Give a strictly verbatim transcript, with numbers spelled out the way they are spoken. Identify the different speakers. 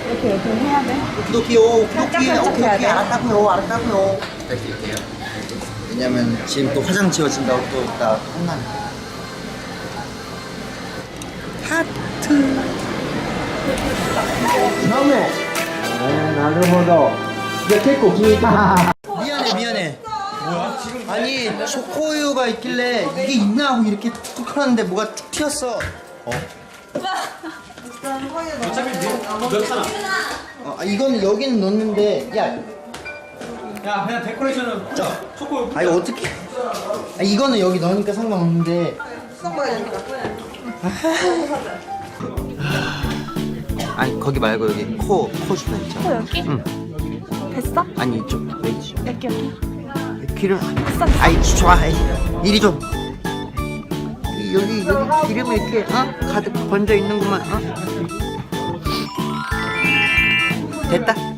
Speaker 1: 이렇게 이렇게 해야 돼.
Speaker 2: 오키도키요. 오키도키.
Speaker 1: 살짝 살짝 해야
Speaker 2: 오키도키.
Speaker 1: 돼.
Speaker 2: 알았다고요. 알았다고요. 부탁드릴게요. 왜냐면 지금 또 화장 지워진다고 또 이따 혼나니까. 하트.
Speaker 3: 다음에. 네, 나름대로. 이제結構 기니까.
Speaker 2: 미안해 미안해. 뭐야? 지금 아니 초코우유가 있길래 이게 있나 하고 이렇게 툭툭 하는데 뭐가 툭 튀었어. 어.
Speaker 4: 어차피 넣잖아.
Speaker 2: 어, 아, 이거는 여기는 넣는데 야,
Speaker 4: 야 그냥 데코레이션은
Speaker 2: 자,
Speaker 4: 초코.
Speaker 2: 아 이거 어떻게? 아 이거는 여기 넣으니까 상관없는데. 아니 거기 말고 여기 코 코 주변 있잖아.
Speaker 1: 어, 여기?
Speaker 2: 응.
Speaker 1: 됐어?
Speaker 2: 아니 이쪽 여기.
Speaker 1: 여기 여기.
Speaker 2: 기름.
Speaker 1: 됐어.
Speaker 2: 아이 좋아. 이리 좀. 여기 여기 기름이 이렇게 어? 가득 번져 있는구만. 어? 됐다.